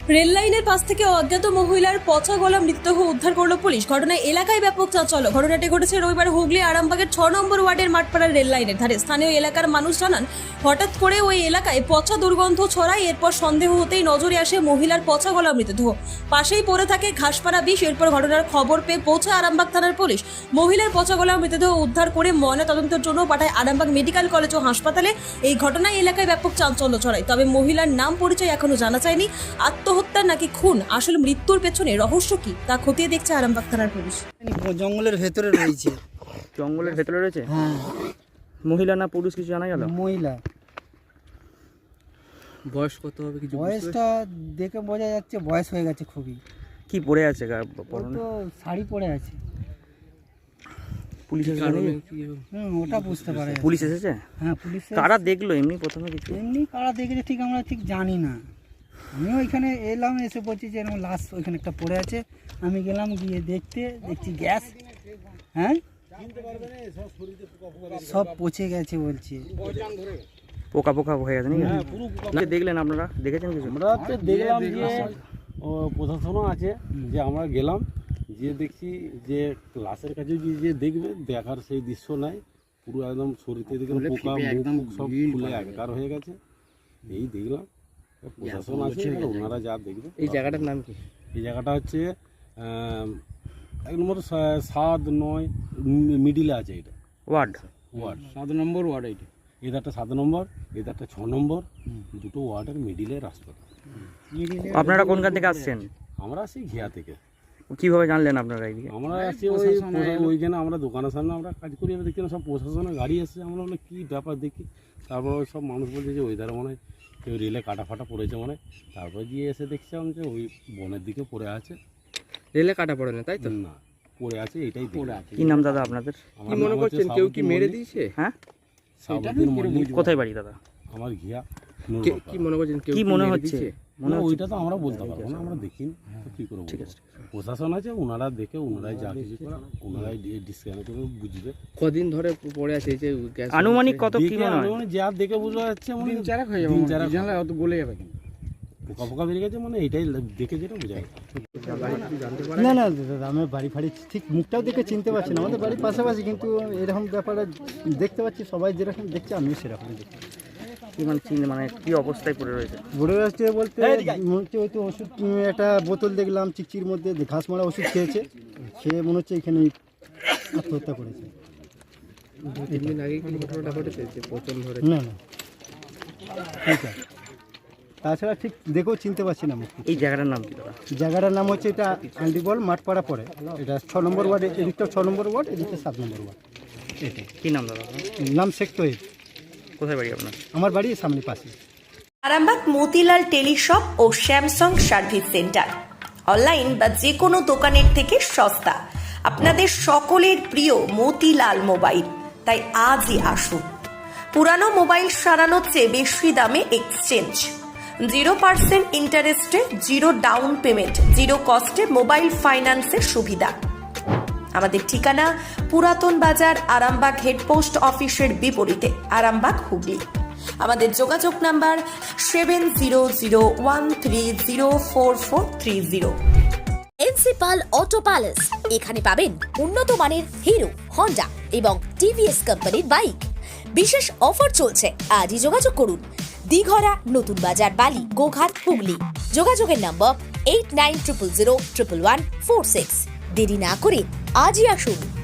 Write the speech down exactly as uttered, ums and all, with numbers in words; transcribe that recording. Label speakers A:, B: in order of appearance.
A: Rail লাইনের পাশ থেকে অজ্ঞাত মহিলার পচা গলা মৃতদেহ উদ্ধার করলো পুলিশ। ঘটনায় এলাকায় ব্যাপক চাঞ্চল্য। ঘটনাটি ঘটেছে রবিবার হুগলি আরামবাগের ছ নম্বর ওয়ার্ডের মাঠপাড়ার রেল লাইনের ধারে। স্থানীয় এলাকার মানুষ জানান, হঠাৎ করে ওই এলাকায় পচা দুর্গন্ধ ছড়ায়। এরপর সন্দেহ হতেই নজরে আসে মহিলার পচা গলা মৃতদেহ। পাশেই পড়ে থাকে ঘাসপাড়া বিষ। এরপর ঘটনার খবর পেয়ে পৌঁছে আরামবাগ থানার পুলিশ। মহিলার পচা গলা মৃতদেহ উদ্ধার করে ময়না তদন্তের জন্য পাঠায় আরামবাগ মেডিকেল কলেজ ও হাসপাতালে। এই ঘটনায় এলাকায় ব্যাপক চাঞ্চল্য ছড়ায়। তবে মহিলার নাম পরিচয় এখনো জানা যায়নি। আত্মহত্যা নাকি খুন, আসলে মৃত্যুর পেছনে রহস্য কি তা খতিয়ে দেখছে আরামবাগ থানার পুলিশ।
B: জঙ্গলের ভেতরে রয়েছে।
C: জঙ্গলের ভেতরে রয়েছে?
B: হ্যাঁ।
C: মহিলা না পুরুষ কিছু জানা গেল?
B: মহিলা।
C: বয়স কত হবে কিছু?
B: বয়সটা দেখে বোঝা যাচ্ছে বয়স হয়ে গেছে খুবই।
C: কি পরে আছে?
B: ও তো শাড়ি পরে আছে।
C: পুলিশ এসেছে?
B: হুম, ওটা বুঝতে পারে।
C: পুলিশ এসেছে?
B: হ্যাঁ, পুলিশ।
C: কারা দেখলো এমনি প্রথমে কিছু?
B: এমনি কারা দেখেছে ঠিক আমরা ঠিক জানি না। আমিও ওইখানে এলাম, এসে বলছি যে এরকম লাশ ওইখানে একটা পড়ে আছে। আমি গেলাম, গিয়ে দেখতে দেখছি গ্যাস, হ্যাঁ সব পচে গেছে বলছে।
C: পোকা পোকা হয়ে গেছে নাকি? দেখলেন আপনারা? দেখেছেন কিছু?
D: আমরা তো দেখলাম যে ও প্রশাসনও আছে, যে আমরা গেলাম, যে দেখছি যে লাশের কাছে গিয়ে যে দেখবে, দেখার সেই দৃশ্য নাই। পুরো একদম শরীরে দেখে পোকা একদম সব ফুলে একাকার হয়ে গেছে। এই দেখলাম, প্রশাসন আছে, ওনারা যা দেখবে।
C: এই জায়গাটার নাম কি?
D: এই জায়গাটা হচ্ছে এক নম্বর সাত নয় মিডিলে আছে। এটা
C: ওয়ার্ড
D: ওয়ার্ড সাত নম্বর ওয়ার্ড। এইটা এটা একটা সাত নম্বর, এটা একটা ছ নম্বর, দুটো ওয়ার্ডের মিডিলের হাসপাতাল।
C: আপনারা কোনখান থেকে আসছেন?
D: আমরা আসছি ঘিয়া থেকে।
C: কিভাবে জানলেন আপনারা এইদিকে?
D: আমরা আসছি ওই ওইখানে আমরা দোকানের সামনে আমরা কাজ করি, এবার দেখি সব প্রশাসনের গাড়ি এসছে। আমরা বলে কী ব্যাপার দেখি, তারপর ওই সব মানুষ বলছে যে ওই ধারে মনে হয় কেউ রেলে কাটা ফাটা পড়েছে মনে হয়। তারপর গিয়ে এসে দেখছিলাম যে ওই বনের দিকে পড়ে আছে।
C: রেলে কাটা পড়ে না তাই তো?
D: না, পড়ে আছে, এটাই পড়ে আছে।
C: কি নাম দাদা আপনাদের?
D: কি মনে করছেন কেউ কি মেরে দিয়েছে?
C: হ্যাঁ,
D: সাবুদ্দিন।
C: কোথায় বাড়ি দাদা?
D: আমার ঘিয়া।
C: কি মনে করছেন কি মনে হচ্ছে?
D: মনে ওইটা তো আমরা বলতে পারবো না, আমরা দেখিনি তো কি করবো। ঠিক আছে, প্রশাসন আছে, ওনারা দেখে ওনারাই যা কিছু করে ওনারাই ডিসকাউন্ট করে বুঝবে।
C: কদিন ধরে পড়ে আছে এই যে গ্যাস? আনুমানিক কত কি মনে হয়?
D: যা দেখে বোঝা যাচ্ছে মনে দিন চারেক হয়ে যাবে। দিন চারেক জানলে অত গলে যাবে কিন্তু পোকা পোকা বেরিয়ে গেছে মানে এইটাই দেখে যেটা বোঝা যায়।
B: না না দাদা, আমার বাড়ি ফাড়ি ঠিক মুখটাও দেখে চিনতে পারছি না। আমাদের বাড়ির পাশাপাশি, কিন্তু এরকম ব্যাপারে দেখতে পাচ্ছি সবাই যেরকম দেখছে আমিও সেরকম দেখছি।
C: কি মানে চিনে মানে কি অবস্থায় পড়ে রয়েছে?
B: পড়ে রয়েছে বলতে মনে হচ্ছে হয়তো ওষুধ, একটা বোতল দেখলাম চিকচির মধ্যে ঘাস মারা ওষুধ খেয়েছে, খেয়ে মনে হচ্ছে এখানে আত্মহত্যা করেছে।
C: তিন দিন আগে কি ঘটনাটা ঘটেছে যে পচন ধরে?
B: না না, ঠিক আছে। তাছাড়া ঠিক দেখেও চিনতে পারছি না।
C: এই জায়গাটার নাম কি দাদা?
B: জায়গাটার নাম হচ্ছে এটা আন্ডিবল মাঠপাড়া পড়ে। এটা ছ নম্বর ওয়ার্ড, এদিকটা ছ নম্বর ওয়ার্ড, এদিকটা সাত নম্বর ওয়ার্ড। এটা
C: কি নাম দাদা?
B: নাম শেখ তৈব।
C: কোথায় বাড়ি আপনার?
B: আমার বাড়ি সামনে পাশে।
E: আরামবাগ মতিলাল টেলিশপ ও স্যামসাং সার্ভিস সেন্টার, অনলাইন বা যে কোনো দোকানের থেকে সস্তা। আপনাদের সকলের প্রিয় মতিলাল মোবাইল, তাই আজই আসুন। পুরানো মোবাইল সারানোর চেয়ে বেশি দামে এক্সচেঞ্জ, জিরো পার্সেন্ট ইন্টারেস্টে, জিরো ডাউন পেমেন্ট, জিরো কস্টে মোবাইল ফাইন্যান্সের সুবিধা। আমাদের ঠিকানা পুরাতন বাজার, আরামবাগ হেডপোস্ট অফিসের বিপরীতে, আরামবাগ হুগলি। আমাদের যোগাযোগ number seven zero zero one three zero four four three zero.
F: Principal auto palace, এখানে পাবেন উন্নত মানের হিরো, হন্ডা এবং টিভিএস কোম্পানির বাইক। বিশেষ অফার চলছে, আজই যোগাযোগ করুন। দিঘরা, নতুন বাজার, বালি, গোঘাট, হুগলি। যোগাযোগের number eight nine triple zero triple one four six. দেরি না করে আজই আসুন।